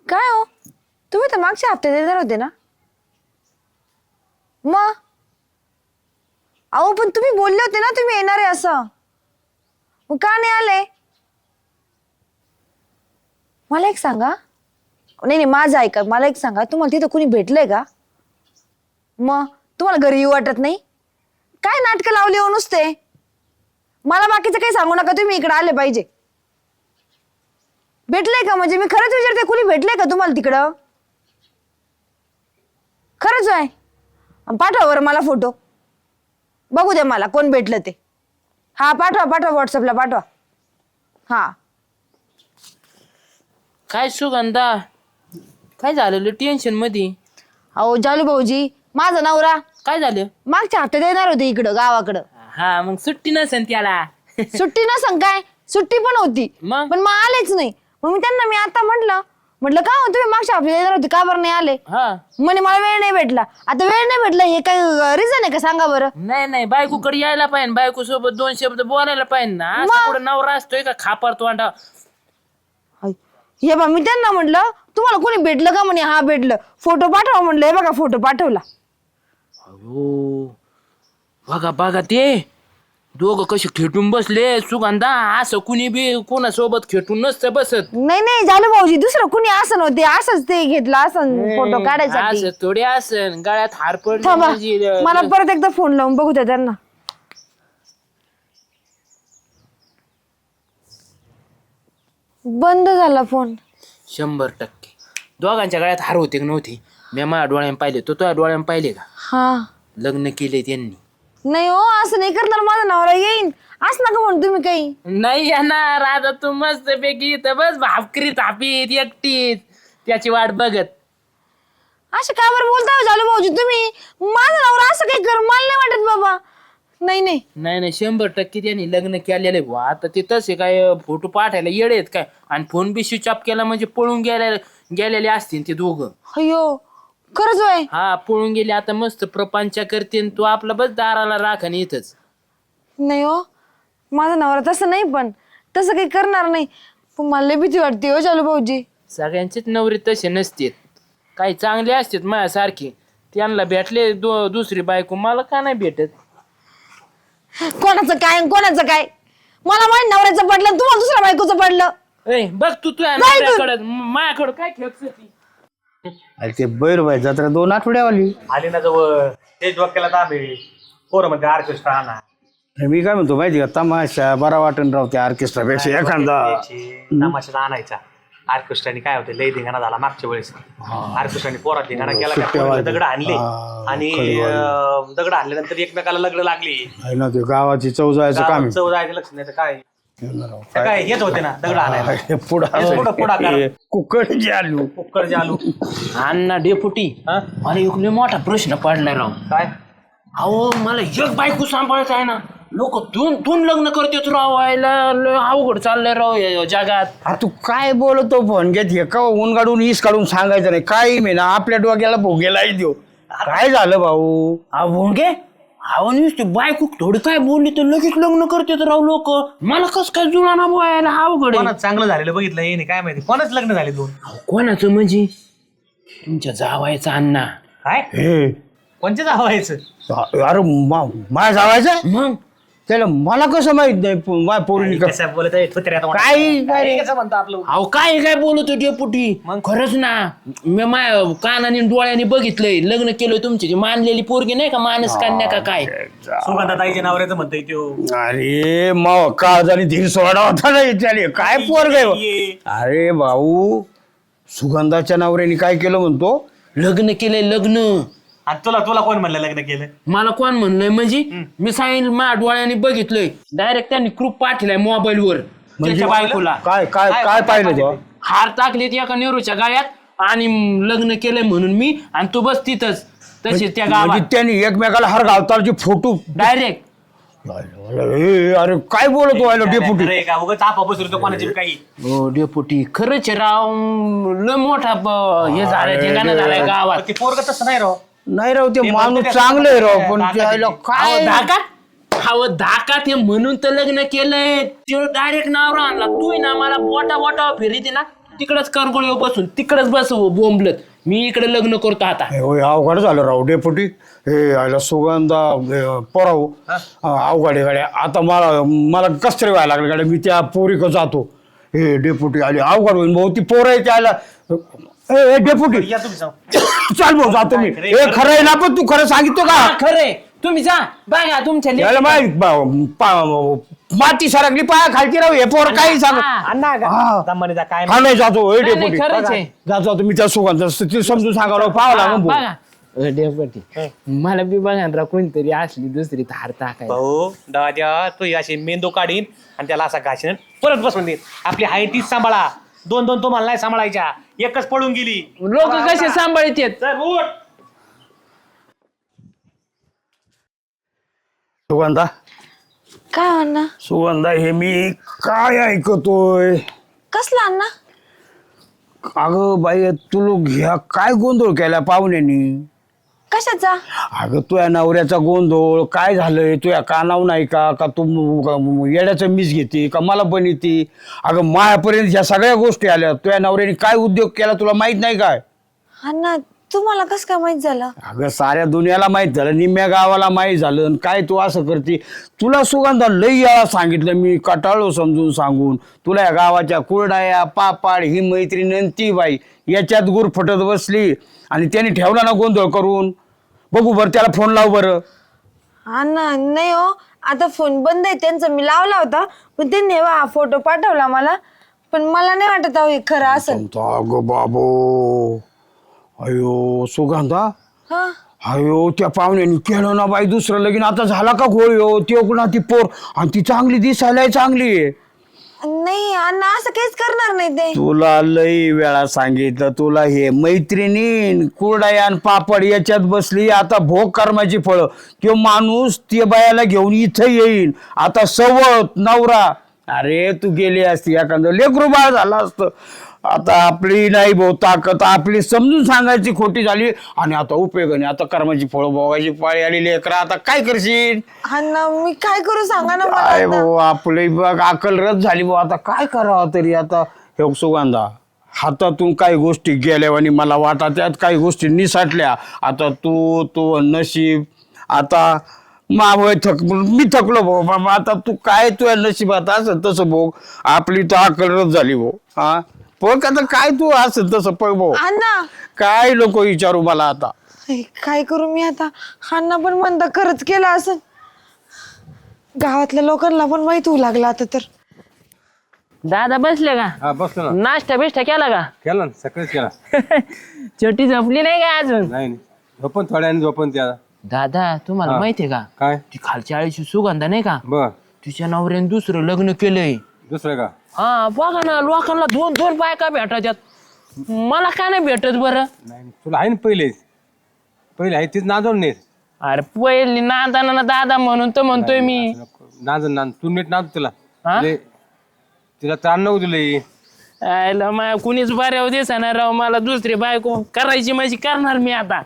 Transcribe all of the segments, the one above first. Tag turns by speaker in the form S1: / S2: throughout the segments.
S1: काय हो, तुम्ही तर मागच्या हप्ते देणार होते ना? मग अहो पण तुम्ही बोलले होते ना तुम्ही येणार आहे असं, मग का नाही आले? मला एक सांगा, नाही नाही माझं ऐका, मला एक सांगा, तुम्हाला तिथं कुणी भेटलंय का? मग तुम्हाला घरी येऊ वाटत नाही? काय नाटकं लावली हो नुसते? मला बाकीचं काही सांगू नका, तुम्ही इकडे आले पाहिजे. भेटलंय का? म्हणजे मी खरंच विचारते, कुणी भेटलंय का तुम्हाला तिकडं? खरंच आहे? पाठवा बरं मला फोटो, बघू द्या मला कोण भेटलं ते. हा पाठवा पाठवा, व्हॉट्सअपला पाठवा. हा
S2: काय सुगंधा, काय झालेलं टेन्शन मध्ये?
S1: अहो जालू भाऊजी, माझा नवरा
S2: काय झालं?
S1: मागच्या हप्त्यात येणार होते इकडं गावाकडं.
S2: हा मग सुट्टी नसेल त्याला.
S1: सुट्टी नसन काय, सुट्टी पण होती
S2: मग?
S1: पण मग आलेच नाही. मग मी त्यांना आता म्हटलं का हो तुम्ही मागच्या हप्त्यात येणार होते, का बरं नाही आले?
S2: हा
S1: म्हणे मला वेळ नाही भेटला. आता वेळ नाही भेटला हे काय रिझन आहे का सांगा बरं?
S2: नाही बायकोकडे यायला पाहिजे, बायको सोबत 2 शब्द बोलायला पाहिजे ना. असं कुठं नवरा असतोय का खापर तोंडा?
S1: हे बा मी त्यांना म्हटलं तुम्हाला कोणी भेटलं का? म्हणे हा भेटलं, फोटो पाठवा म्हटलं. हे बघा फोटो पाठवला.
S2: अयो बघा ते दोघं कसे खेटून बसले. सुगंधा असं कुणी बी कोणासोबत खेटून नसतं बसत.
S1: नाही नाही झालं भाऊजी, दुसरं कुणी असं नव्हते, असंच ते घेतलं असं फोटो काढायसाठी.
S2: असं थोडी असन गळ्यात हार पडले
S1: थांबा,
S2: म्हणजे
S1: मला परत एकदा फोन लावून बघू द्या त्यांना. बंद झाला फोन.
S2: 100% दोघांच्या गळ्यात हार होते की नव्हते? मी माझ्या डोळ्याने पाहिले, तो तुझ्या डोळ्याने पाहिले का?
S1: हा
S2: लग्न केले त्यांनी.
S1: नाही हो, असं नाही करणार, माझा नवरा येईन असं नका म्हणून तुम्ही काही.
S2: नाही येणार आता तू मस्त पैकी इथं बस भाकरी थापीत एकटीच त्याची वाट बघत.
S1: असं का बरं बोलताय झालं भाऊजी तुम्ही? माझा नवरा असं काही कर, मला नाही वाटत बाबा. नाही नाही
S2: नाही 100% त्यांनी लग्न केलेले बुवा. आता ते तसे काय फोटो पाठायला येडे आहेत काय? आणि फोन बी स्विच ऑफ केला म्हणजे पळून गेलेले असतील ते दोघं.
S1: अयो खरंच होय?
S2: हा पळून गेले. आता मस्त प्रपंच करते, तू आपला बस दाराला राख आणि इथंच.
S1: नाही हो, माझा नवरा तसं नाही, पण तसं काही करणार नाही. पण मला लई भीती वाटते हो चालू भाऊजी.
S2: सगळ्यांचेच नवरे तसे नसतेत, काही चांगले असतात माझ्यासारखे. त्यांना भेटले दुसरी बायको, मला का नाही भेटत?
S1: कोणाचं काय मला माझ्या नवऱ्याचं पडलं, तुम्हाला दुसऱ्या बायकोचं पडलं.
S2: ए बघ तू तुझ्या नवऱ्याकडं माझ्याकडं काय खेळत?
S3: अरे ते बैरबाई जत्रा 2 आठवड्यावाली.
S4: आली ना जवळ ते डोक्याला दाबे पोरं म्हणजे ऑर्केस्ट्रा आणा.
S3: मी काय म्हणतो माहिती का, तमाशा बरा वाटण राव त्या ऑर्केस्ट्रापेक्षा एखादा.
S4: तमाशाला आणायचा. ऑर्केस्ट्राने काय होते, लय धिंगाणा झाला मागच्या वेळेस. ऑर्केस्ट्राने पोरात धिंगाणा केला का, पोराला दगड आणले आणि दगड आणल्यानंतर एकमेकाला लग्न लागली.
S3: आहे ना ते गावाची चव जायचं काम आहे.
S4: चव जायचं लक्ष नाही तर काय काय हेच होते ना दगड आणायला.
S3: पुढं कुकड जे आलू
S4: कुकर जालू.
S2: अण्णा डेपुटी, मला एक लय मोठा प्रश्न पडलाय राव.
S4: काय
S2: अहो मला एक बायको सांभाळायचं आहे ना, लोक दोन लग्न करतात राव. लय अवघड चाललंय राव या जगात.
S3: अरे तू काय बोलतो फोन घेत हे का ऊन काढून ईस काढून सांगायचं नाही काही मी ना आपल्या डोक्याला भोगेलाही देऊ. काय झालं भाऊ?
S2: भोंगे अहो नुसती बायको थोडी काय बोलली तर लगेच लग्न करतात राव लोक. मला कस काय जुळाना बोलायला अवघड आहे.
S4: कोणाच चांगलं झालेलं बघितलं हे नाही काय माहिती, कोणाच लग्न झाले 2.
S2: कोणाचं म्हणजे? तुमच्या जावायचा अण्णा.
S4: काय
S3: हे
S4: कोणच्या जावायचं?
S3: अरे माझ्या जावायचं
S2: मग
S3: त्याला मला कसं माहित नाही माझ्या पोरीने का
S4: कसं बोलत आहे
S3: काय
S4: कसं म्हणतो आपलं.
S2: अहो काय बोलतो डेपुटी? मग खरंच ना, मी माझ्या कानाने डोळ्याने बघितलंय. लग्न केलंय तुमची ती मानलेली पोरगी नाही का, मानस कन्या का काय?
S4: सुगंधाताईच्या नवऱ्याचं म्हणतोय त्यो.
S3: अरे मग काळ आणि धीर सोडा होता ना याच्याने काय पोर काय. अरे भाऊ सुगंधाच्या नवऱ्याने काय केलं म्हणतो?
S2: लग्न केलंय लग्न.
S4: आणि तुला कोण म्हणलं लग्न केलं?
S2: मला कोण म्हणलंय म्हणजे? मी सांगितलं माझ्या डोळ्याने बघितलंय. डायरेक्ट त्यांनी ग्रुप पाठवलाय मोबाईल वर त्याच्या बायकोला.
S3: काय काय काय पाहिलं तो?
S2: हार टाकलेत एका नेहरूच्या गाळ्यात आणि लग्न केलंय म्हणून मी आणि तू बस तिथंच तशीच त्या
S3: म्हणजे
S2: गावात
S3: त्यांनी एकमेकाला हर घालताचे फोटो.
S2: डायरेक्ट.
S3: अरे काय बोलतो व्हायला डेपुटी?
S4: अरे का उगाच आपा बसलो कोणाची काही.
S2: हो डेपुटी खरंच आहे राव. लय मोठा हे झालंय ठिकाण झालंय गावात.
S4: ते पोरग तसं नाही राव.
S3: नाही राव ते माणूस चांगलं आहे राव पण त्याला काय
S2: धाका ते म्हणून तर लग्न केलंय. ते डायरेक्ट नाव आणला. तू ना मला बोटा फिरी ना तिकडच करगोळीवर बसून तिकडच बस बोंबलत. मी इकडे लग्न करतो आता.
S3: हे होय अवघड झालं राव डेपुटी. हे आयला सुगंधा पोराव अवघड आहे गाड्या. आता मला कस तरी व्हायला लागलं गाड्या. मी त्या पोरीकडे जातो. हे डेपुटी आली अवघड होईल भाऊ. ती पोरं आहे त्याला ए डेपुटी
S4: या तुम्ही जाऊ.
S3: चाल भाऊ जातो मी. हे खरं आहे ना पण तू खरं सांगितलं का?
S2: खरे तुम्ही जा बघा तुमच्या
S3: याला माती सरकली पाया खालची राहू. हे पोर काही सांग
S4: अण्णा
S3: हा.
S4: दमाने जा काय
S3: हा नाही जातो. हे डेपुटी
S2: खरंच आहे.
S3: जातो तुम्ही त्या सुगंधा समजून सांगा राव. पाहावं लागेल भाऊ.
S2: बघा डेपुटी मला बी बघा ना कोणतरी असली दुसरी धार टाकाय.
S4: भाऊ दादा तू अशी मेंदू काढीन आणि त्याला असा घासीन परत बसवून देईन. आपली हायटीच सांभाळा. दोन दोन तुम्हाला नाही सांभाळायच्या. एकच पळून गेली.
S2: लोक कसे सांभाळतात.
S4: चल, उठ.
S3: सुगंधा
S1: काय अण्णा?
S3: सुगंधा हे मी काय ऐकतोय?
S1: कसला अण्णा?
S3: अगं बाई तुला ह्या काय गोंधळ केला पाहुण्यानी?
S1: कशाचा?
S3: अगं तुझ्या नवऱ्याचा गोंधळ काय झालंय? तुझ्या कानाव नाही का का तू येड्याचं मीस घेते का मला पण येते? अगं मायापर्यंत ह्या सगळ्या गोष्टी आल्या. तुझ्या नवऱ्याने काय उद्योग केला तुला माहित नाही काय?
S1: अण्णा तुम्हाला कस काय माहित झालं?
S3: अगं साऱ्या दुनियाला माहित झालं. निम्म्या गावाला माहित झालं. आणि काय तू असं करते? तुला सुगंधा लई याला सांगितलं मी कटाळो समजून सांगून. तुला या गावाच्या कुरडाया पापाड ही मैत्रीण आणि ती बाई याच्यात गुर फटत बसली आणि त्याने ठेवला ना गोंधळ करून. बघू बरं त्याला फोन लाव बरं.
S1: अण्णा नाही हो, आता फोन बंद आहे त्यांचा. मी लावला होता पण त्यांनी हा फोटो पाठवला मला. पण मला नाही वाटत हे खरं असं.
S3: अगं बाबो अयो सुगंधा
S1: हा
S3: अयो त्या पाहुण्याने केलं ना बाई दुसरं लगीन. आता झाला का गोळी हो? ती ना ती पोर आणि ती चांगली दिसायलाय चांगली आहे.
S1: नाही अण्णा असं काहीच करणार नाही ते.
S3: तुला लई वेळा सांगितलं तुला हे मैत्रिणी कुरडायान पापड याच्यात बसली. आता भोग कर्माची फळं. तो माणूस ते बायाला घेऊन इथं येईन. आता सवत नवरा अरे तू गेली असती एखादं लेकरू बाळ झालं असतं. आता आपली नाही भाऊ ताकद. आपली समजून सांगायची खोटी झाली आणि आता उपयोग नाही. आता कर्माची फळं भोगायची पाळी आली. लेकरा आता काय करशील?
S1: अण्णा मी काय करू सांगा ना मला
S3: काय
S1: आता.
S3: भाऊ आपली बघ अकल रद्द झाली भाऊ. आता काय करावं तरी? आता हे सुगंधा हातातून काही गोष्टी गेल्या आणि मला वाटत त्यात काही गोष्टी निसाटल्या. आता तू नशीब आता मी थकलो भाऊ बाबा. आता तू काय तुझ्या नशिबात असं तसं भाऊ. आपली तर अकल रद्द झाली भाऊ. हा बघ आता काय तू असं तसं पळ भाऊ.
S1: अण्णा
S3: काय लोक विचारू मला आता.
S1: काय करू मी आता? अण्णा पण म्हणता खरंच केलं असं. गावातल्या लोकांना पण माहित होऊ लागलं आता तर.
S2: दादा बसले का?
S5: हा बसलो ना.
S2: नाश्ता बिष्टा केला का?
S5: केला ना सकाळीच केला.
S2: छोटी झोपली नाही का अजून?
S5: नाही झोपन थोड्याने झोपन त्या.
S2: दादा तुम्हाला माहितीये का
S5: काय
S2: ती खालच्या आळीची सुगंधा नाही का?
S5: बर
S2: तिच्या नवऱ्याने दुसरं लग्न केलंय.
S5: दुसरं का?
S2: हा बघा ना लोकांना दोन दोन बायका भेटायच्यात. मला का नाही भेटत बरं?
S5: नाही तुला आहे ना पहिले आहे तीच नांदवून नेत.
S2: अरे पहिली नादाना दादा म्हणून तर म्हणतोय मी.
S5: नांद तू नीट नांद तिला.
S2: हा?
S5: तिला ताण नको तुला.
S2: आयला मा कुणीच बऱ्यावर दिसणार राव. मला दुसरी बायको करायची माझी करणार मी आता.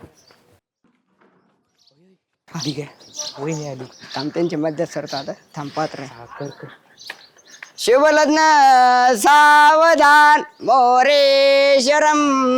S6: ठीक आहे वहिनी आली. थांब त्यांच्या मध्यात सरतो आता. थांब पात्र शिवलग्न सावधान मोरेश्वरम.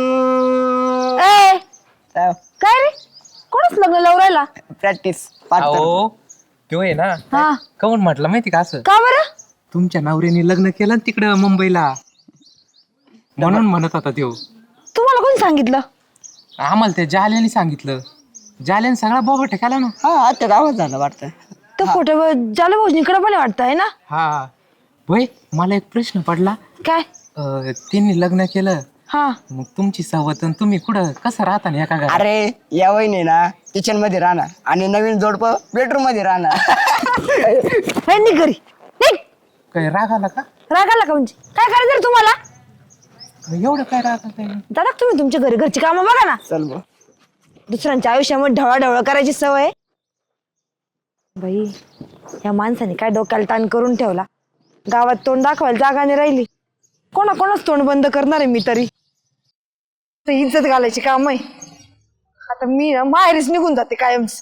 S1: ए काय रे? कोणच लग्न लावून राहिला?
S6: प्रॅक्टिस पात्र.
S7: तो आहे ना
S1: हा
S7: काऊन म्हटलं माहिती का असं?
S1: का बरं?
S7: तुमच्या नवऱ्याने लग्न केलं ना तिकडं मुंबईला म्हणून म्हणत होता त्यो.
S1: तुम्हाला कोण सांगितलं?
S7: आम्हाला त्या जाल्याने सांगितलं. जाल्याने सगळा बोगट केला ना.
S6: हा आता गावात झालं वाटतं.
S1: तो फोटो जालू भाऊजीकडे पण वाटत आहे ना?
S7: हा भाई मला एक प्रश्न पडला.
S1: काय?
S7: त्यांनी लग्न केलं
S1: हा
S7: मग तुमची सवत आणि तुम्ही कुठं कसं राहता ना एका घरात?
S6: अरे या वहिनी ना किचन मध्ये राहणार आणि नवीन जोडप बेडरूम मध्ये राहणार.
S1: निघ घरी निघ.
S7: काय राग आला का?
S1: राग आला का म्हणजे? काय करायचं रे तुम्हाला?
S7: एवढं काय राग आलं?
S1: दादा तुम्ही तुमच्या घरची कामं बघा ना.
S6: चल भाऊ.
S1: दुसऱ्यांच्या आयुष्यामध्ये ढवळाढवळ करायची सवय. बाई या माणसाने काय डोक्याला ताण करून ठेवला. गावात तोंड दाखवायला जागा नाही राहिली. कोणाच तोंड बंद करणार आहे मी तरी. इज्जत घालायची काम आहे. आता मी ना माहेरीच निघून जाते कायमच.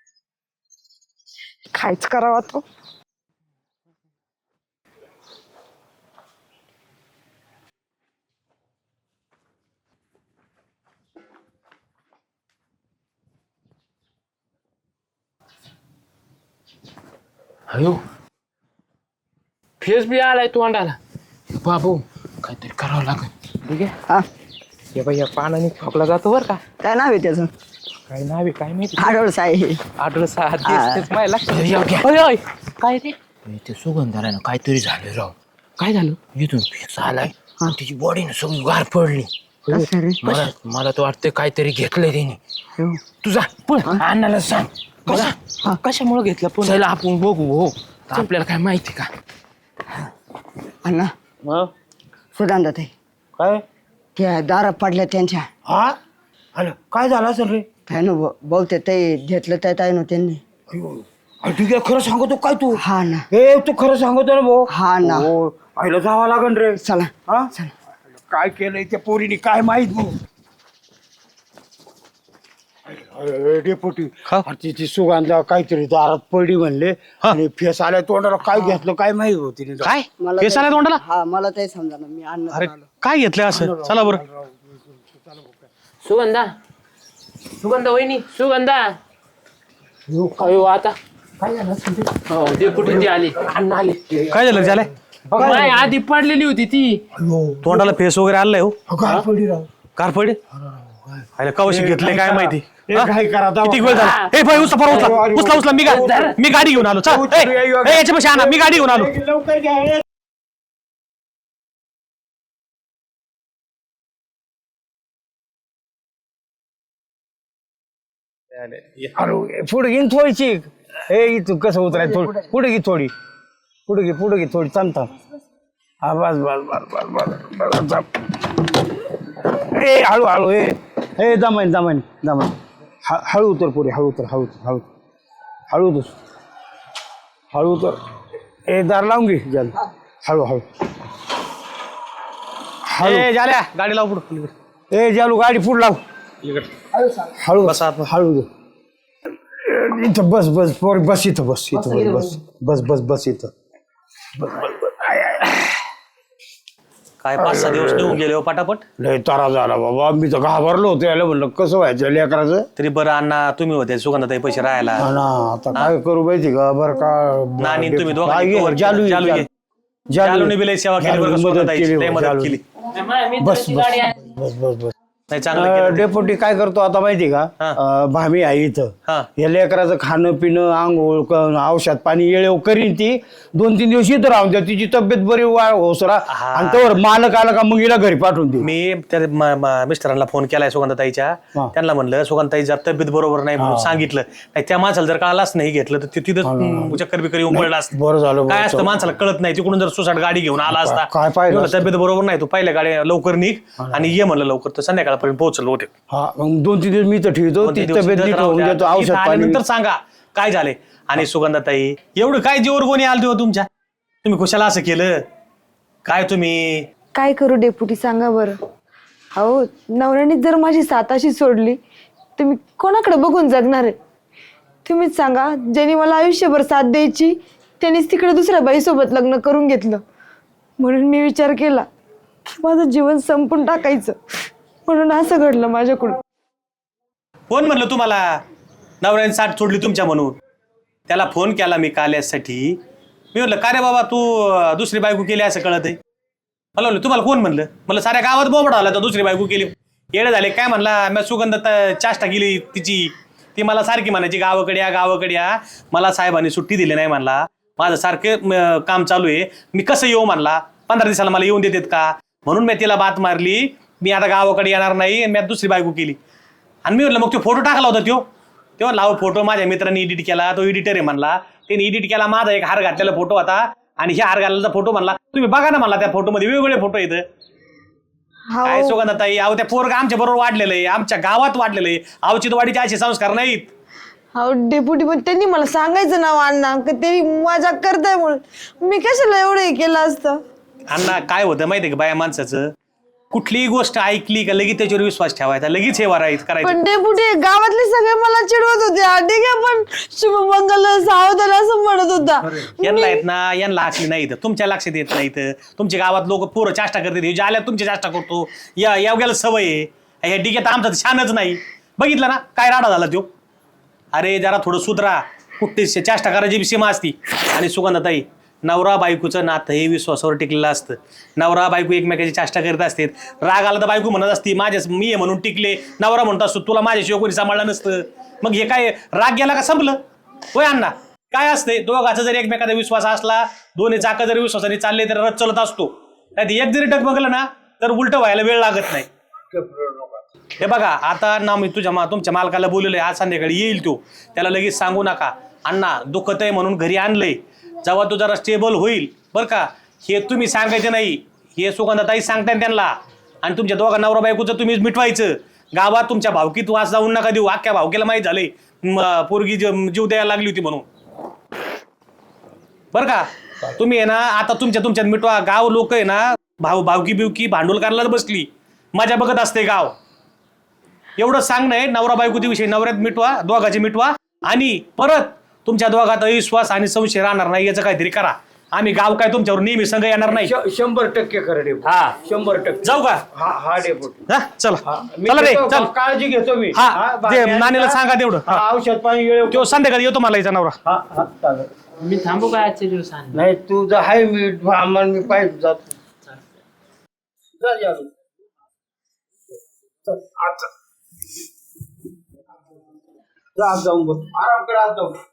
S1: कायच करावा तो.
S2: अयो फेस बी आलाय तोंडाला बाबू काहीतरी करावं लागेल ठीक आहे
S6: हा
S2: हे बाई या पानाने खोकला जातो बरं का
S6: काय नाव आहे त्याचं
S2: काय नाव आहे काय माहिती
S6: आडोळस आहे.
S2: आठवलं सहा
S6: हा.
S2: तेच माझ्या लक्षात अय, अय, काय रे ते सुगंधाला ना काहीतरी झालं राव काय झालं इथून फेस आलाय आणि तिची बॉडी ना सगळी गार पडली
S6: कसं रे?
S2: मला तर वाटतं काहीतरी घेतलंय त्याने
S6: हो.
S2: तुझा पण अण्णाला सांग कशामुळे घेतलं पण त्याला आपण बघू हो आपल्याला काय माहिती का
S6: अण्णा सुधांदा ताई
S3: काय
S6: त्या दारात पडल्या त्यांच्या
S3: हा अरे काय झालं असेल रे
S6: काय ना बहुते ते घेतलं त्या ताई ना त्यांनी.
S3: ठीक आहे खरं सांगतो काय तू
S6: हा ना
S3: हे तू खरं सांगतो ना भाऊ
S6: हा ना
S3: हो आईला जावं लागन रे
S6: चला
S3: हा काय केलंय त्या पोरीने काय माहित भाऊ डेपोटी तिची सुगंधा काहीतरी दारात पडली म्हणले आणि फेस आल्या तोंडाला काय घेतलं काय माहित होती
S8: काय
S6: मला
S8: केस आला तोंडाला
S6: हा मला ते समजा ना मी अन्न
S8: अरे काय घेतलंय असं चला बरं
S2: सुगंधा सुगंधा वहिनी सुगंधा अयो आता काय झालं हो ते कुठे ती आली अण्णा आले
S8: काय झालं झालंय
S2: नाही आधी पडलेली होती ती
S8: तोंडाला फेस वगैरे आलाय हो
S3: काय पडली राव
S8: कार पडे अरे कवशी घेतले काय माहिती
S3: हे काय करा दावा.
S8: किती वेळ झाला ए भाई उचला परत उचला उचला मी गाडी घेऊन आलो चल याच्यापाशी आणा मी गाडी घेऊन आलो
S3: लवकर घ्या अरे पुढे घेईन थोडीची हे इथं कसं उतराय थोडी पुढे घे थोडी पुढे घे थोडी थांब हा बस बस बस बस बस बस थांब. ए हळू हळू ए दमाईन हळू उतर पुढे हळू उतर ए दार लावून घे जल हळू
S8: ए झाल्या गाडी लाव पुढे
S3: ए जालू गाडी पुढे लाव हळू
S8: बस आत.
S3: हळू इथं बस पोर बस इथं बस इथं
S8: काय 5-6 दिवस निघून गेले हो पटापट
S3: लय तारा झाला बाबा मी तर घाबरलो होतो याला म्हणलं कसं व्हायचं लेकराचं
S8: तरी बरं अण्णा तुम्ही होते सुगंधाताई पैसे राहायला
S3: हा ना आता काय करू माहिती का बरं का
S8: नानी तुम्ही
S3: काय
S8: दोघांनी
S3: घे,
S8: cover
S3: जालू
S8: केलं.
S3: घे,
S8: जालू घे. जालूने बी लय सेवा केली बरं का
S3: मदत
S8: सुगंधाताईची.
S3: केली
S8: लय
S3: बरं,
S8: मदत
S3: जालू.
S8: केली
S3: बस
S8: नाही चांगलं केलं.
S3: डेपोटी काय करतो आता माहिती का भामी आहे इथं
S8: हा.
S3: या लेकराचं खाणं पिणं आंघोळ औषध पाणी येळेव करीन ती 2-3 दिवस इथं राहून द्या तिची तब्येत बरी होसरा आणि त्यावर मालक आला का मग हिला घरी पाठवून दे
S8: मी त्या मिस्टरांना फोन केलाय सुगंधाताईच्या
S3: हा.
S8: त्यांना म्हणलं सुगंधाताई जर तब्येत बरोबर नाही म्हणून सांगितलं नाही त्या माणसाला जर कळालाच नाही घेतलं तर तिथं चक्कर बिकर येऊन पडला असतं
S3: बरं झालं
S8: काय असतं माणसाला कळत नाही तिकडून जर सुसाट गाडी घेऊन आला असता
S3: काय पाहिलं
S8: एवढं तब्येत बरोबर नाही तू पहिल्या गाडी लवकर निघ आणि ये म्हणलं लवकर तर संध्याकाळपर्यंत पोहोचलो होते
S3: हा मग 2-3 दिवस मी तर ठेवतो ती तब्येत नीट होऊन देतो औषध पाणी
S8: नंतर सांगा काय झाले आणि सुगंधाताई एवढं काय जीवर कोणी आलं तेव्हा तुमच्या तुम्ही कुशाला असं केलं काय तुम्ही
S1: काय करू डेपुटी सांगा बरं अहो नवऱ्याने जर माझी साथ अशी सोडली तर मी कोणाकडे बघून जगणार आहे तुम्हीच सांगा ज्यांनी मला आयुष्यभर साथ द्यायची त्यांनीच तिकडे दुसऱ्या बाईसोबत लग्न करून घेतलं म्हणून मी विचार केला की माझं जीवन संपून टाकायचं म्हणून असं घडलं माझ्याकडून
S8: कोण म्हणलं तुम्हाला नवऱ्याने साठ सोडली तुमच्या म्हणून त्याला फोन केला मी काल यासाठी मी म्हणलं का रे बाबा तू दुसरी बायको केली असं कळत आहे मला म्हणलं तुम्हाला कोण म्हणलं साऱ्या गावात बोबडा आला तर दुसरी बायको केली येडे झाले काय म्हणला मी सुगंधात चाष्टा केली तिची ती मला सारखी म्हणायची गावाकडे या मला साहेबांनी सुट्टी दिली नाही म्हणला माझं सारखं काम चालू आहे मी कसं येऊ म्हणला 15 दिवसाला मला येऊन देतात का म्हणून मी तिला बात मारली मी आता गावाकडे येणार नाही मी आता दुसरी बायको केली आणि मी म्हटलं मग तो फोटो टाकला होता तेव्हा लाव फोटो माझ्या मित्रांनी एडिट केला तो एडिटर आहे म्हणला त्याने एडिट केला माझा एक हार घातलेला फोटो होता आणि ह्या हार घातलेला फोटो म्हणला तुम्ही बघा ना मला त्या फोटोमध्ये वेगवेगळे फोटो येतं काय सुगंधाताई अहो त्या पोरगा आमच्या बरोबर वाढलेलं आहे आमच्या गावात वाढलेलं आहे अवचितवाडीचे असे संस्कार नाहीत
S1: अहो डेपुटी पण त्यांनी मला सांगायचं नाव अण्णा की त्यांनी मजा करताय म्हणून मी कशाला एवढं हे केलं असतं
S8: अण्णा काय होतं माहितीये का बाया माणसाचं कुठलीही गोष्ट ऐकली का लगेच त्याच्यावर विश्वास ठेवायचा लगेच हे करायचं
S1: पण डेपुटी गावातले सगळे मला चिडवत होते ठीक आहे पण शुभमंगल सावधान असं म्हणत होता
S8: यांना येत ना यांना आखली नाही तर तुमच्या लक्षात येत नाही तर तुमच्या गावात लोक पोरं चाष्टा करतात ज्या आल्या तुमची चाष्टा करतो या गेला सवय आहे ह्या डिगेत आमचा छानच नाही बघितलं ना काय राडा झाला तो अरे जरा थोडं सुधरा कुठे चेष्टा करायची सीमा असती. आणि सुगंधाताई, नवरा बायकोचं नातं हे विश्वासावर टिकलेलं असतं. नवरा बायको एकमेकाची चेष्टा करत असते. राग आला तर बायको म्हणत असती मी आहे म्हणून टिकले. नवरा म्हणत असतो तुला माझ्याशिवाय कोणी सांभाळलं नसतं. मग हे काय राग गेला का संपलं? होय अण्णा, काय असते दोघाचा जरी एकमेकाचा विश्वास असला, दोन्ही चाकं जरी विश्वासाने चालले तर रथ चलत असतो. नाही एक जरी डगमगलं ना तर उलट व्हायला वेळ लागत नाही. हे बघा आता ना मी तुमच्या मालकाला बोललेलं आहे, आज संध्याकाळी येईल तो. त्याला लगेच सांगू नका अण्णा दुखत आहे म्हणून घरी आणलंय. जेव्हा तो जरा स्टेबल होईल बरं का, हे तुम्ही सांगायचं नाही, हे सुगंधाताई सांगताय त्यांना. आणि तुमच्या दोघा नवरा बायकोचं तुम्हीच मिटवायचं. गावात तुमच्या भावकीत वास जाऊन नका देऊ. अख्ख्या भावकीला माहीत झालंय पोरगी जीव द्यायला लागली होती म्हणून. बरं का, तुम्ही आहे ना आता तुमच्यात मिटवा. गाव लोक आहे ना भावकी बिवकी भांडवल करायला बसली, मजा बघत असते गाव. एवढं सांगणं आहे, नवरा बायकोच्या विषयी नवऱ्यात मिटवा, दोघाचे मिटवा. आणि परत तुमच्या दोघात अविश्वास आणि संशय राहणार नाही याचं काहीतरी करा. आम्ही गाव काय तुमच्यावर नेहमी संघ येणार नाही.
S3: 100% खरं डेपुटी.
S8: हा
S3: 100%
S8: जाऊ का?
S3: हा डेपुटी.
S8: हा चला
S3: मी
S8: चला रे
S3: घेतो,
S8: चल.
S3: काळजी घेतो मी.
S8: हा ते नानीला सांगा तेवढं. हा.
S3: औषध पाणी वेळ
S8: तो संध्याकाळी येतो मला याचा नवरा.
S3: चालेल.
S2: मी थांबू का आजच्या दिवसांनी?
S3: नाही तुझं आहे मी आम्हाला मी पाहिजे जातो. जा, जा. चल, आता. जा, जाऊन बस. आराम कर, आज जाऊ.